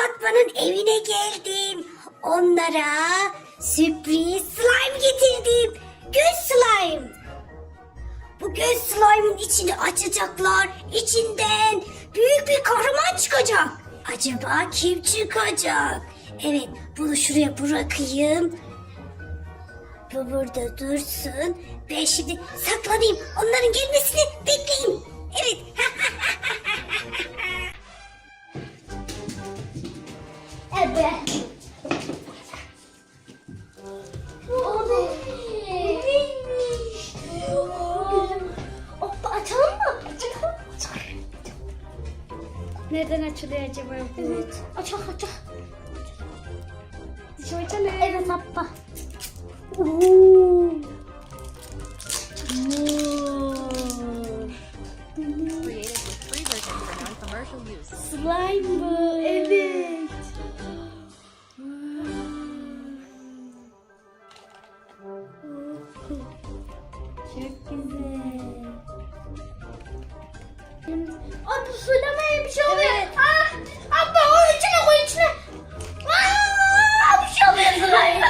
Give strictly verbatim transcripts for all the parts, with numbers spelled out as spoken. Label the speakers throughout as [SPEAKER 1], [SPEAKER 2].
[SPEAKER 1] Fatma'nın evine geldim. Onlara sürpriz slime getirdim. Göz slime. Bu göz slime'ın içini açacaklar. İçinden büyük bir kahraman çıkacak. Acaba kim çıkacak? Evet, bunu şuraya bırakayım. Bu burada dursun. Ben şimdi saklanayım. Onların gelmesini bekleyeyim. Evet. Evet. O neymiş? Hoppa, açalım mı? Açalım.
[SPEAKER 2] Nereden açılıyor acaba?
[SPEAKER 1] Evet. Açalım, açalım.
[SPEAKER 2] Şu açalım.
[SPEAKER 1] Evet, hoppa.
[SPEAKER 3] Created with free version for non-commercial use.
[SPEAKER 2] Slime bu.
[SPEAKER 1] Evet.
[SPEAKER 2] Çok güzel. Ay, bu söylemeye bir şey oluyor.
[SPEAKER 1] Evet.
[SPEAKER 2] Ah, abla o içine koy içine.
[SPEAKER 1] Aa, bir şey oluyor slime.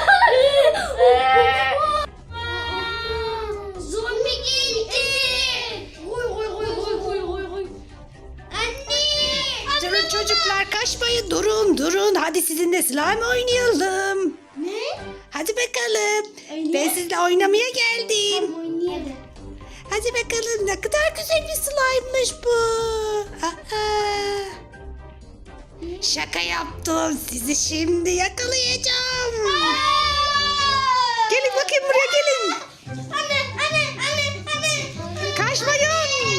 [SPEAKER 2] Zombi geldi. Koy koy koy koy koy koy koy. Anne.
[SPEAKER 4] Durun çocuklar, kaçmayın, durun durun. Hadi sizinle slime oynayalım.
[SPEAKER 2] Ne?
[SPEAKER 4] Hadi bakalım.
[SPEAKER 2] Öyle.
[SPEAKER 4] Ben sizinle oynamaya geldim.
[SPEAKER 2] Oynayalım.
[SPEAKER 4] Hadi bakalım, ne kadar güzel bir slime'mış bu. Aa. Şaka yaptım, sizi şimdi yakalayacağım. Gelin bakayım buraya, gelin.
[SPEAKER 2] Anne anne anne anne.
[SPEAKER 4] Kaçmayın.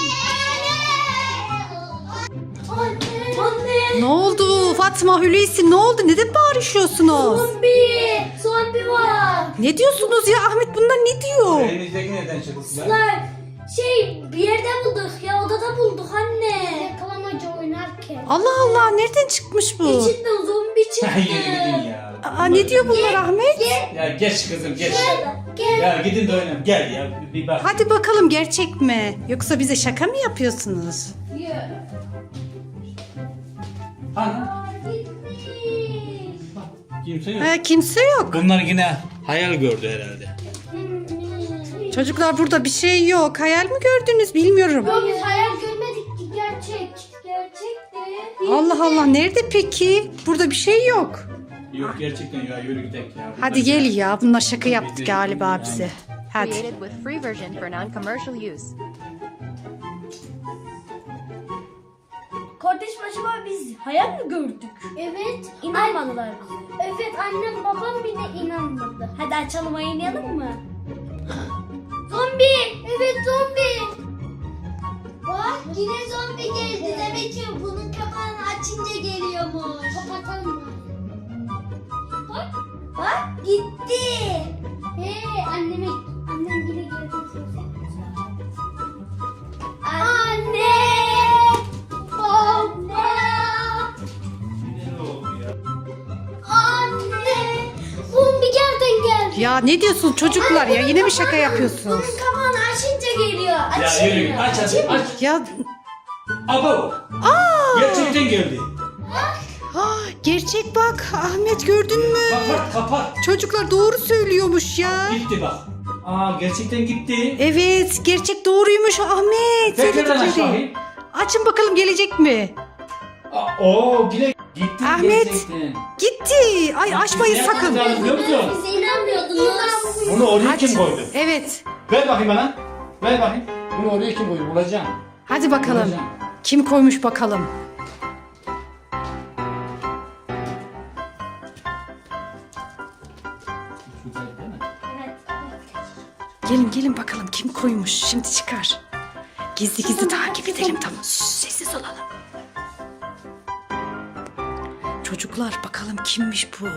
[SPEAKER 2] Anne. Anne.
[SPEAKER 4] Ne oldu Fatma, Hulusi, ne oldu? Neden bağırışıyorsunuz?
[SPEAKER 2] Zombi. Zombi var.
[SPEAKER 4] Ne diyorsunuz ya? Ahmet bunlar ne diyor?
[SPEAKER 5] Elinizdeki nereden çıktı lan?
[SPEAKER 2] Lan şey bir yerde bulduk ya, odada bulduk anne. Yakalamaca oynarken.
[SPEAKER 4] Allah Allah, nereden çıkmış bu?
[SPEAKER 2] İçinden zombi çıktı.
[SPEAKER 5] Yürü gidin ya.
[SPEAKER 4] Aa, ne diyor bunlar Ahmet?
[SPEAKER 5] Ya geç kızım geç.
[SPEAKER 2] Gel.
[SPEAKER 5] Ya gidin de oynayın. Gel ya bir bak.
[SPEAKER 4] Hadi bakalım, gerçek mi? Yoksa bize şaka mı yapıyorsunuz?
[SPEAKER 5] Ana.
[SPEAKER 2] Gitmiş.
[SPEAKER 5] Kimse yok.
[SPEAKER 4] Ha, kimse yok.
[SPEAKER 5] Bunlar yine hayal gördü herhalde.
[SPEAKER 4] Çocuklar, burada bir şey yok. Hayal mi gördünüz bilmiyorum.
[SPEAKER 2] Yok, biz hayal görmedik ki, gerçek. Gerçekti.
[SPEAKER 4] Allah Allah, nerede peki? Burada bir şey yok.
[SPEAKER 5] Yok gerçekten ya yürü gidelim ya.
[SPEAKER 4] Hadi gel ya, bunlar şaka yaptı galiba bize. Hadi.
[SPEAKER 3] Created with free version for non-commercial use.
[SPEAKER 2] Kardeşim, acaba biz hayal mi gördük? Evet. İnanmadılar bize. Evet, annem babam bile inanmadı. Hadi açalım, oynayalım mı? Zombi! Evet, zombi! Bak, yine zombi geldi. Demek ki bunun kapağını açınca geliyormuş. Kapatalım mı? Bak, bak gitti. Hey, anneme, annem yine geldi. Anne! Baba! Anne! Zombi gerden geldi.
[SPEAKER 4] Ya ne diyorsun çocuklar ya? Yine mi şaka yapıyorsunuz?
[SPEAKER 2] Bunun kapağını açınca geliyor.
[SPEAKER 5] Ya
[SPEAKER 2] Açayım
[SPEAKER 5] yürü
[SPEAKER 2] mı?
[SPEAKER 5] aç aç aç.
[SPEAKER 4] Ya
[SPEAKER 5] Abo. Gerçekten geldi.
[SPEAKER 4] ha, gerçek bak Ahmet, gördün mü?
[SPEAKER 5] Kapat kapat.
[SPEAKER 4] Çocuklar doğru söylüyormuş ya.
[SPEAKER 5] Gitti bak. Aa gerçekten gitti.
[SPEAKER 4] Evet, gerçek doğruymuş Ahmet.
[SPEAKER 5] Tekrardan aç
[SPEAKER 4] Söyledikleri.
[SPEAKER 5] bakayım.
[SPEAKER 4] Açın bakalım, gelecek mi?
[SPEAKER 5] Aa, Oo yine gitti
[SPEAKER 4] Ahmet.
[SPEAKER 5] gerçekten.
[SPEAKER 4] Gitti. Ay, açmayın
[SPEAKER 5] Ne
[SPEAKER 4] sakın.
[SPEAKER 5] yapacağız biliyor musun?
[SPEAKER 2] Bize inanmıyordunuz.
[SPEAKER 5] Bunu oraya
[SPEAKER 4] Hadi.
[SPEAKER 5] kim koydu?
[SPEAKER 4] Evet.
[SPEAKER 5] Ver bakayım bana. Ver bakayım. Bunu oraya kim koydu? Bulacağım.
[SPEAKER 4] Hadi bakalım.
[SPEAKER 5] Bulacağım.
[SPEAKER 4] Kim koymuş bakalım.
[SPEAKER 5] Güzel değil mi?
[SPEAKER 4] Gelin gelin bakalım kim koymuş. Şimdi çıkar. Gizli gizli takip edelim, tamam. Şşş, sessiz olalım. Çocuklar, bakalım kimmiş bu?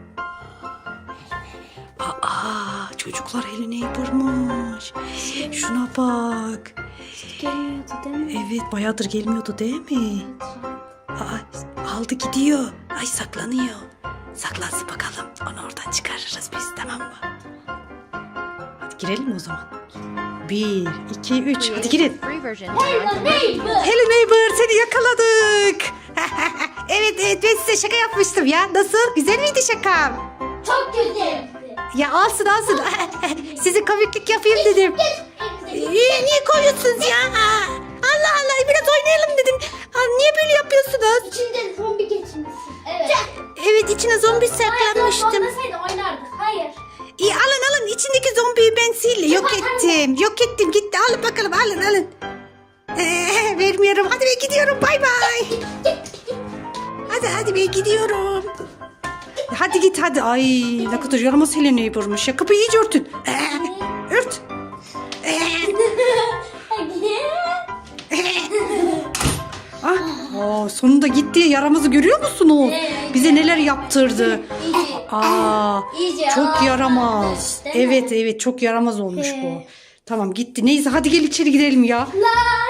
[SPEAKER 4] Aa, çocuklar, eline yıpırmış. Şuna bak.
[SPEAKER 2] Gelmiyordu değil mi?
[SPEAKER 4] Evet, bayağıdır gelmiyordu değil mi? Aa, aldı gidiyor. Ay, saklanıyor. Saklansın bakalım. Onu oradan çıkarırız biz, tamam mı? Hadi girelim o zaman. Bir, iki, üç. Hadi
[SPEAKER 3] Created
[SPEAKER 4] girin.
[SPEAKER 3] with free version for non-commercial
[SPEAKER 2] Neighbor.
[SPEAKER 4] Hello neighbor, seni yakaladık. Evet Evet ben size şaka yapmıştım ya. Nasıl? Güzel miydi şakam?
[SPEAKER 2] Çok kötü.
[SPEAKER 4] Ya alsın alsın. Size komiklik yapayım dedim. Niye, niye koyuyorsunuz ya? Allah Allah biraz oynayalım dedim. Aa, niye böyle yapıyorsunuz?
[SPEAKER 2] İçinde zombi geçmişsin. Evet.
[SPEAKER 4] Evet içine zombi saklamıştım.
[SPEAKER 2] Olmasaydı oynardık. Hayır.
[SPEAKER 4] İyi alın alın içindeki zombiyi ben sil yok ettim. Yok ettim gitti alın bakalım alın alın. Ee, vermiyorum hadi ben gidiyorum bay bay. Hadi hadi ben gidiyorum. Hadi git hadi. Ay ne kadar yaramaz Helena'yı vurmuş ya. Kapıyı iyice örtün. Ee, ört. Ee, ah, aa, sonunda gitti yaramazı görüyor musunuz? Bize neler yaptırdı. Aa,
[SPEAKER 2] İyice
[SPEAKER 4] çok
[SPEAKER 2] ağlamış,
[SPEAKER 4] yaramaz.
[SPEAKER 2] değil mi?
[SPEAKER 4] Evet evet çok yaramaz olmuş bu. Tamam gitti. Neyse hadi gel içeri girelim ya.
[SPEAKER 2] La